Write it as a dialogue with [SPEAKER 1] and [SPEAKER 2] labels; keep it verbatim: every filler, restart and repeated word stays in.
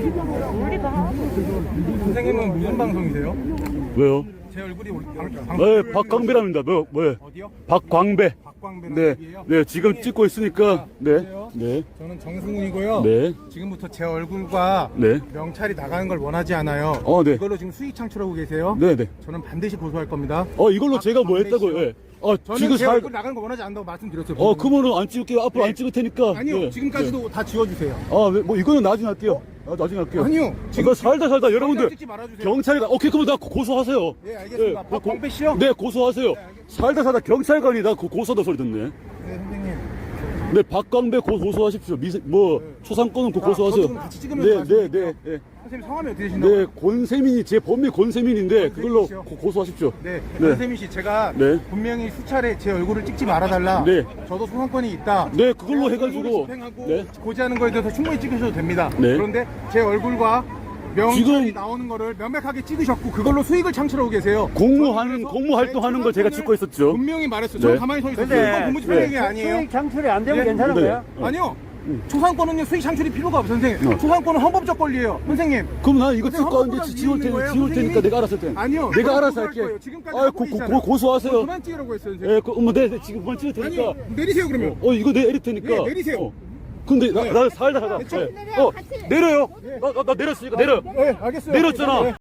[SPEAKER 1] 선생님은 무슨 방송이세요?
[SPEAKER 2] 왜요?
[SPEAKER 1] 제 얼굴이 우리 방, 방,
[SPEAKER 2] 네, 박광배랍니다. 뭐, 뭐예요?
[SPEAKER 1] 어디요?
[SPEAKER 2] 박광배.
[SPEAKER 1] 박광배라는
[SPEAKER 2] 네,
[SPEAKER 1] 얘기예요?
[SPEAKER 2] 네, 지금 찍고 있으니까. 네,
[SPEAKER 1] 보세요.
[SPEAKER 2] 네,
[SPEAKER 1] 저는 정승훈이고요.
[SPEAKER 2] 네.
[SPEAKER 1] 지금부터 제 얼굴과
[SPEAKER 2] 네.
[SPEAKER 1] 명찰이 나가는 걸 원하지 않아요.
[SPEAKER 2] 어, 네.
[SPEAKER 1] 이걸로 지금 수익 창출하고 계세요.
[SPEAKER 2] 네, 네.
[SPEAKER 1] 저는 반드시 고소할 겁니다.
[SPEAKER 2] 어, 이걸로 제가 뭐
[SPEAKER 1] 박광배
[SPEAKER 2] 했다고요?
[SPEAKER 1] 씨요.
[SPEAKER 2] 예. 어,
[SPEAKER 1] 저는
[SPEAKER 2] 지금
[SPEAKER 1] 제
[SPEAKER 2] 살,
[SPEAKER 1] 얼굴 나가는 거 원하지 않는다고 말씀드렸어요.
[SPEAKER 2] 어, 그러면은 안 찍을게요. 앞으로
[SPEAKER 1] 네.
[SPEAKER 2] 안 찍을 테니까.
[SPEAKER 1] 아니요,
[SPEAKER 2] 네,
[SPEAKER 1] 지금까지도 다 지워주세요.
[SPEAKER 2] 네. 아, 네, 뭐, 이거는 나중에 할게요. 아, 나중에 할게요.
[SPEAKER 1] 아니요,
[SPEAKER 2] 지금 살다 살다 여러분들.
[SPEAKER 1] 찍지 말아주세요.
[SPEAKER 2] 경찰관, 오케이, 그러면 나 고- 고소하세요.
[SPEAKER 1] 예, 알겠습니다.
[SPEAKER 2] 고-
[SPEAKER 1] 박광배 씨요?
[SPEAKER 2] 네, 고소하세요. 살다 살다 경찰관이 나 고- 고소하다 소리 듣네.
[SPEAKER 1] 네, 선생님.
[SPEAKER 2] 네, 박광배 고, 고소하십시오. 미세, 뭐,
[SPEAKER 1] 네.
[SPEAKER 2] 초상권은 고,
[SPEAKER 1] 자,
[SPEAKER 2] 고소하세요.
[SPEAKER 1] 저도 같이 찍으면서
[SPEAKER 2] 네, 네,
[SPEAKER 1] 말씀드릴게요.
[SPEAKER 2] 네, 네.
[SPEAKER 1] 선생님 성함이 어떻게 되신다고요?
[SPEAKER 2] 네, 권세민이, 제 본名권세민인데,
[SPEAKER 1] 권세민
[SPEAKER 2] 그걸로
[SPEAKER 1] 씨요?
[SPEAKER 2] 고, 고소하십시오.
[SPEAKER 1] 네,
[SPEAKER 2] 네.
[SPEAKER 1] 선생님 씨, 제가
[SPEAKER 2] 네.
[SPEAKER 1] 분명히 수차례 제 얼굴을 찍지 말아달라.
[SPEAKER 2] 네.
[SPEAKER 1] 저도 소상권이 있다.
[SPEAKER 2] 네, 그걸로
[SPEAKER 1] 제가
[SPEAKER 2] 해가지고.
[SPEAKER 1] 얼굴을 집행하고
[SPEAKER 2] 네.
[SPEAKER 1] 고지하는 거에 대해서 충분히 찍으셔도 됩니다.
[SPEAKER 2] 네.
[SPEAKER 1] 그런데 제 얼굴과 명찰이
[SPEAKER 2] 지금-
[SPEAKER 1] 나오는 거를 명백하게 찍으셨고 그걸로 수익을 창출하고 계세요.
[SPEAKER 2] 공무하는,
[SPEAKER 1] 저는 그래서
[SPEAKER 2] 공무 활동하는
[SPEAKER 1] 제
[SPEAKER 2] 걸 제가
[SPEAKER 1] 초상권을
[SPEAKER 2] 찍고 있었죠.
[SPEAKER 1] 분명히 말했어요.
[SPEAKER 2] 네.
[SPEAKER 1] 저는 가만히 서 있었어요.
[SPEAKER 3] 근데
[SPEAKER 1] 이건 공무집행
[SPEAKER 2] 네.
[SPEAKER 1] 얘기 아니에요.
[SPEAKER 3] 수익 창출이 안 되면
[SPEAKER 1] 예?
[SPEAKER 3] 괜찮은
[SPEAKER 2] 네.
[SPEAKER 3] 거야?
[SPEAKER 2] 어.
[SPEAKER 1] 아니요. 초상권은요 수익 창출이 필요가 없어요, 선생님.
[SPEAKER 2] 어.
[SPEAKER 1] 초상권은 헌법적 권리예요, 선생님.
[SPEAKER 2] 그럼 나 이거
[SPEAKER 1] 선생님,
[SPEAKER 2] 찍고
[SPEAKER 1] 헌법보다
[SPEAKER 2] 왔는데 지울
[SPEAKER 1] 위에 있는
[SPEAKER 2] 테니,
[SPEAKER 1] 거예요,
[SPEAKER 2] 지울 테니까
[SPEAKER 1] 선생님이.
[SPEAKER 2] 내가 알아서 할 테니.
[SPEAKER 1] 아니요.
[SPEAKER 2] 내가
[SPEAKER 1] 저는
[SPEAKER 2] 알아서
[SPEAKER 1] 고소할
[SPEAKER 2] 할게.
[SPEAKER 1] 거예요. 지금까지
[SPEAKER 2] 아,
[SPEAKER 1] 하고
[SPEAKER 2] 고, 고,
[SPEAKER 1] 계시잖아요.
[SPEAKER 2] 고, 고소하세요.
[SPEAKER 1] 그만 찍으라고 했어요, 선생님.
[SPEAKER 2] 예, 그, 뭐, 네, 네, 지금 그만 찍을 테니까.
[SPEAKER 1] 아니요, 내리세요 그러면.
[SPEAKER 2] 어, 이거 내릴 테니까.
[SPEAKER 1] 예, 내리세요.
[SPEAKER 2] 어. 근데 나,
[SPEAKER 1] 네.
[SPEAKER 2] 나 살다 살다.
[SPEAKER 1] 네,
[SPEAKER 2] 예. 어, 내려요. 나, 나, 나 내렸으니까 내려.
[SPEAKER 1] 네, 알겠어요.
[SPEAKER 2] 내렸잖아.
[SPEAKER 1] 네.